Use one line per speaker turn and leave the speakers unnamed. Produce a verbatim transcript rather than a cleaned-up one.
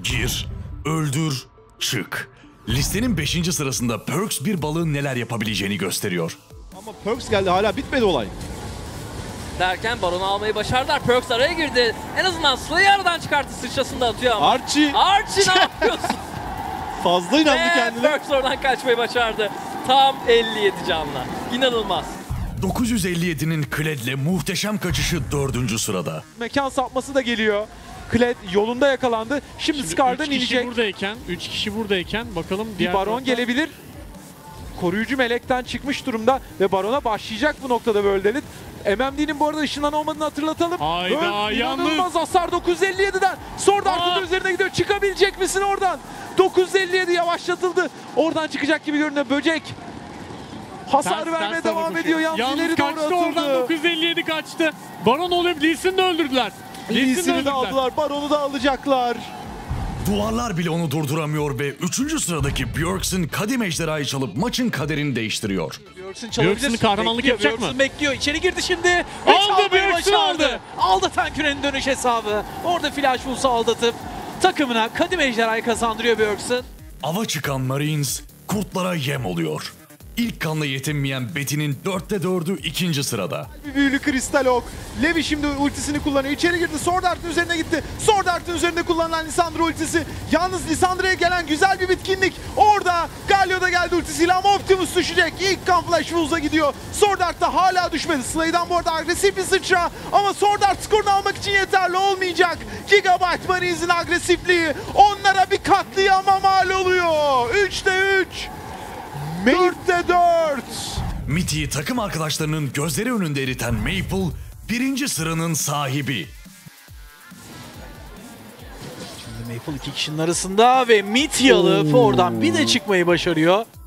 Gir, öldür, çık. Listenin beşinci sırasında Perkz bir balığın neler yapabileceğini gösteriyor.
Ama Perkz geldi, hala bitmedi olay.
Derken Baron'u almayı başardılar. Perkz araya girdi. En azından Slay'i aradan çıkarttı. Sıçrasını da atıyor ama.
Archie.
Archie ne yapıyorsun?
Fazla inandı
Ve
kendine.
Perkz oradan kaçmayı başardı. Tam elli yedi canla. İnanılmaz.
dokuz yüz elli yedi'nin Kled'le muhteşem kaçışı dördüncü sırada.
Mekan sapması da geliyor. Kled yolunda yakalandı. Şimdi,
Şimdi
Skar'dan
üç kişi
inecek.
buradayken, üç kişi buradayken bakalım
Bir
diğer
Baron
taraftan...
gelebilir. Koruyucu melekten çıkmış durumda ve Baron'a başlayacak bu noktada World Elite. M M D'nin bu arada ışından olmadığını hatırlatalım.
Hayda,
World
yalnız.
inanılmaz hasar dokuz yüz elli yedi'den. Sword Art'ın üzerine gidiyor. Çıkabilecek misin oradan? dokuz yüz elli yedi yavaşlatıldı. Oradan çıkacak gibi görünüyor. Böcek hasar
Ters,
vermeye
ters
devam
tarafa
ediyor.
koşuyor.
Yalnız,
Yalnız
ileri doğru
kaçtı oradan,
atıldı.
dokuz yüz elli yedi kaçtı. Baron olup Lee Sin'i de öldürdüler. Lee Sin'i de
Lee'sini de
öldürdüler.
aldılar. Baron'u da alacaklar.
Duvarlar bile onu durduramıyor ve üçüncü sıradaki Bjergsen kadim ejderhayı çalıp maçın kaderini değiştiriyor.
Bjergsen
Bjergsen kahramanlık
Bekliyor,
yapacak mı?
Bjergsen bekliyor. İçeri girdi şimdi.
Aldı,
Aldı
Bjergsen aldı.
Aldı Tanküren'in dönüş hesabı. Orada Flash Wolves'u aldatıp takımına kadim ejderhayı kazandırıyor Bjergsen.
Ava çıkan Marines kurtlara yem oluyor. İlk kanla yetinmeyen Betty'nin dörtte dördü ikinci sırada.
Bir büyülü kristal ok. Levi şimdi ultisini kullanıyor. İçeri girdi. Sword Art'ın üzerine gitti. Sword Art'ın üzerinde kullanılan Lissandra ultisi. Yalnız Lissandra'ya gelen güzel bir bitkinlik. Orada Galio da geldi ultisiyle ama Optimus düşecek. İlk kan Flash Wolves'a gidiyor. Sword Art da hala düşmedi. Slay'dan bu arada agresif bir sıçra. Ama Sword Art skorunu almak için yeterli olmayacak. Gigabyte Marines'in agresifliği onlara bir katliama mal oluyor. üçte üç. dörtte dört.
Mitty'yi takım arkadaşlarının gözleri önünde eriten Maple, birinci sıranın sahibi.
Şimdi Maple iki kişinin arasında ve Mitty alıp oradan bir de çıkmayı başarıyor.